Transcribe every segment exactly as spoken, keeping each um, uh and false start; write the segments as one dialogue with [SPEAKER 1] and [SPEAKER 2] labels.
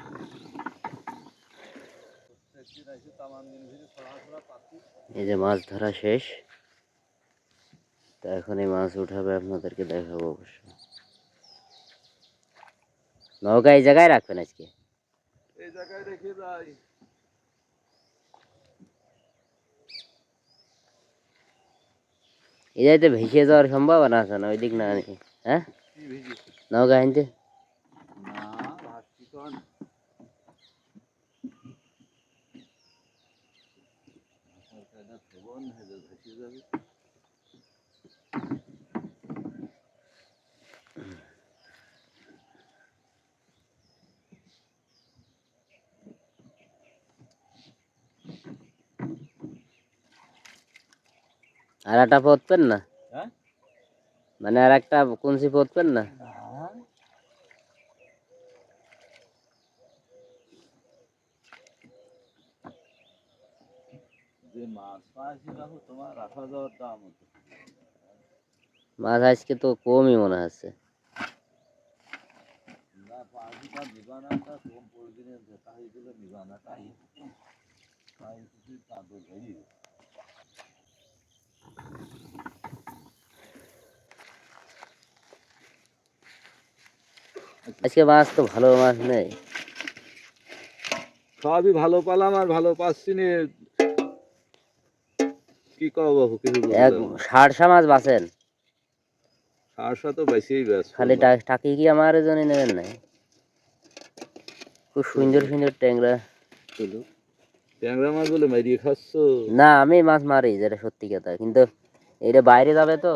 [SPEAKER 1] এই যে মাছ ধরা শেষ, তো এখন এই মাছ উঠাবে, আপনাদেরকে দেখাবো অবশ্য। নৌকা এই জায়গায় রাখবেন আজকে?
[SPEAKER 2] এই জায়গায় রেখে যাই।
[SPEAKER 1] এই জায়গাতে ভেসে যাওয়ার সম্ভাবনা আছে না? ওই দিক না, হ্যাঁ নৌকা আনতে
[SPEAKER 2] না ভাবছি তো ভেসে যাবে।
[SPEAKER 1] আর একটা পড়তেন না?
[SPEAKER 2] হ্যাঁ,
[SPEAKER 1] মানে আর একটা কুঞ্চি পড়তেন না?
[SPEAKER 2] যে মাছ পাইছি রাখো তোমার রাখা যাওয়ার দাম হতো।
[SPEAKER 1] মাছ আজকে তো কমই মনে হচ্ছে।
[SPEAKER 2] না পাখিটা নিবানাটা কম পরিদিনে দেখা হয়েছিল, নিবানাটাই তাই কিছু তাদের ধরি।
[SPEAKER 1] আজকে মাছ তো ভালো মাছ নেই।
[SPEAKER 2] সবই ভালো পালাম আর ভালো পাচ্ছি নি, কি কব বাবু কিছু
[SPEAKER 1] এক সারসা মাছ বাঁচেন,
[SPEAKER 2] সারসা তো বেশিই ব্যস্ত।
[SPEAKER 1] খালি টাকি কি আমার জন্য নেবেন না? খুব সুন্দর সুন্দর ট্যাংরা।
[SPEAKER 2] ট্যাংরা মাছ বলে মারিয়ে খাচ্ছ?
[SPEAKER 1] না আমি মাছ মারি, যেটা সত্যি কথা, কিন্তু এটা বাইরে যাবে তো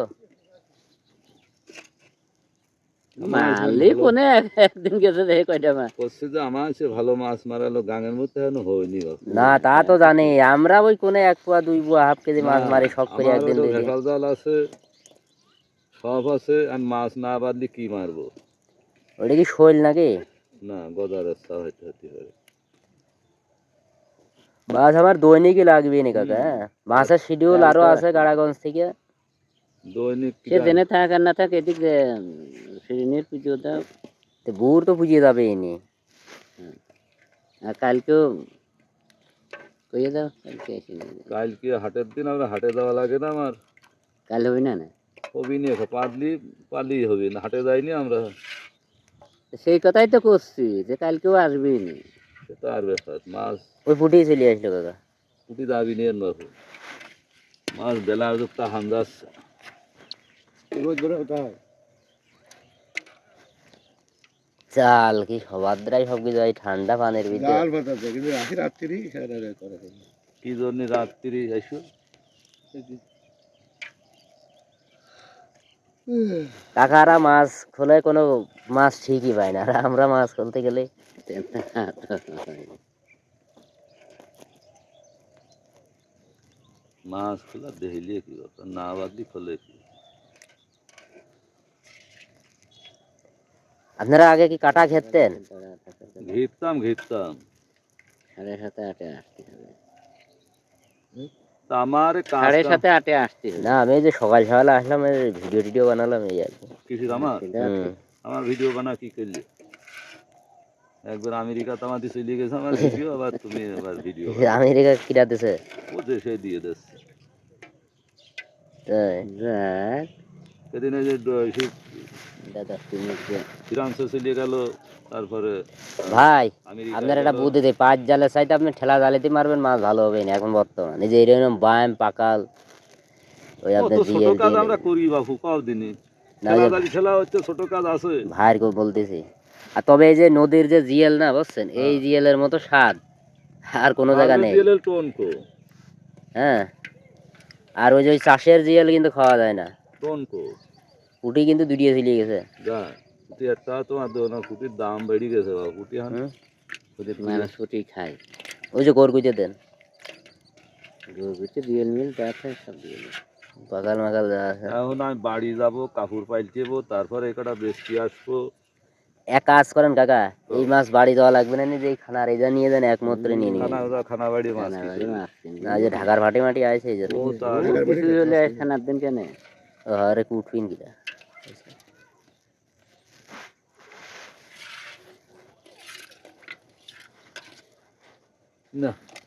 [SPEAKER 1] মারলি কোনে একদিন গেছে দেখে কয়টা মাছ
[SPEAKER 2] করছে যে আমার সে ভালো মাছ মারালো গাঙের মধ্যে এখনো হয়নি।
[SPEAKER 1] না তা তো জানি, আমরা ওই কোনে এক পোয়া দুই পোয়া হাফ কেজি মাছ মারি শখ করে একদিন দুই দিন।
[SPEAKER 2] ভেসাল জাল আছে, সব আছে, আর মাছ না বাদলি কি মারবো?
[SPEAKER 1] ওটা কি শৈল নাকি?
[SPEAKER 2] না গজার রাস্তা হয়তো হতে পারে।
[SPEAKER 1] মাছ আমার দৈনিকই লাগবে নি কাকা। হ্যাঁ মাছের শিডিউল আরো আছে গাড়াগঞ্জ থেকে,
[SPEAKER 2] দৈনিক
[SPEAKER 1] সে জেনে থাক আর না থাক এদিক শিরিনের পুজো দাও, বুড় তো পুজিয়ে যাবে এনে। আর কালকেও কইয়ে দাও, কালকে এসে নিয়ে যাও।
[SPEAKER 2] কালকে হাটের দিন আমরা হাটে যাওয়া লাগে না আমার?
[SPEAKER 1] কাল হবে না? না
[SPEAKER 2] হবি নি, পারলি পারলি হবি না, হাটে যাইনি আমরা।
[SPEAKER 1] সেই কথাই তো করছি যে কালকেও আসবি নি।
[SPEAKER 2] সেটা আর ব্যাপার, মাছ
[SPEAKER 1] ওই ফুটিয়ে চলে আসলো কাকা।
[SPEAKER 2] উঠি যাবি নি বাবু, মাছ বেলা যুক্তা হান্দাচ্ছে।
[SPEAKER 1] চাল কি সবাদ্রাই সব কিছু এই ঠান্ডা পানির ভিতরে
[SPEAKER 2] কি জন্য রাত্রি এসো?
[SPEAKER 1] কাকারা মাছ খোলে কোনো মাছ ঠিকই পায় না, আর আমরা মাছ খুলতে গেলে
[SPEAKER 2] মাছ খোলা দেখিলে কি ব্যাপার, না বাদলি খোলে কি?
[SPEAKER 1] আপনারা আগে কি কাটা খেতেন?
[SPEAKER 2] ঘিরতাম ঘিরতাম
[SPEAKER 1] সাড়ে সাথে আটে আসতে হবে।
[SPEAKER 2] তা আমার
[SPEAKER 1] সাড়ে সাথে আটে আসতে হবে। না আমি যে সকাল সকাল আসলাম, ভিডিও টিডিও বানালাম এই আর কি।
[SPEAKER 2] কিছু আমার আমার ভিডিও বানা কি করলে? একবার আমেরিকা তামাদি চলে গেছে আমার ভিডিও, আবার তুমি আবার ভিডিও
[SPEAKER 1] আমেরিকা কিরা দিছে?
[SPEAKER 2] ও দেশে দিয়ে দিচ্ছে।
[SPEAKER 1] তাই
[SPEAKER 2] সেদিন এই যে ফ্রান্সে চলে গেল, তারপরে
[SPEAKER 1] ভাই আপনার একটা বুদ্ধি দেয়, পাঁচ জালের চাইতে আপনি ঠেলা জালেতে মারবেন, মাছ ভালো হবে না এখন বর্তমানে। যে এরকম বায়াম পাকাল ওই আপনি
[SPEAKER 2] ছোট কাজ আমরা করি বাবু, কও দিনই ঠেলা হচ্ছে ছোট কাজ আছে
[SPEAKER 1] ভাইয়ের কেউ বলতেছি। আর তবে এই যে নদীর যে জিএল না বুঝছেন, এই জিএলের মতো স্বাদ আর কোনো জায়গা নেই। হ্যাঁ আর ওই যে ওই চাষের জিএল কিন্তু খাওয়া যায় না। পুঁটি কিন্তু দুটিয়ে চলে গেছে।
[SPEAKER 2] পুঁটি একটা তোমার না, পুঁটির দাম বেড়ে গেছে বাবু। পুঁটি এখন
[SPEAKER 1] মানুষ পুঁটি খায়, ওই যে গরগুচে দেন, গরগুচে জিএল মিল আছে সব জিএল পাকাল মাকাল যা আছে।
[SPEAKER 2] এখন আমি বাড়ি যাবো, কাপড় পাল্টেবো, তারপরে একটা বেশি আসবো।
[SPEAKER 1] এক কাজ করেন কাকা, এই মাছ বাড়ি যাওয়া লাগবে না, যে খানার এই যা নিয়ে যান একমাত্র নিয়ে নিন।
[SPEAKER 2] খানা বাড়ি মাছ
[SPEAKER 1] না যে ঢাকার ভাটি মাটি আছে এই জন্য খানার দিন কেন আরে কুটবিন কিটা।
[SPEAKER 2] না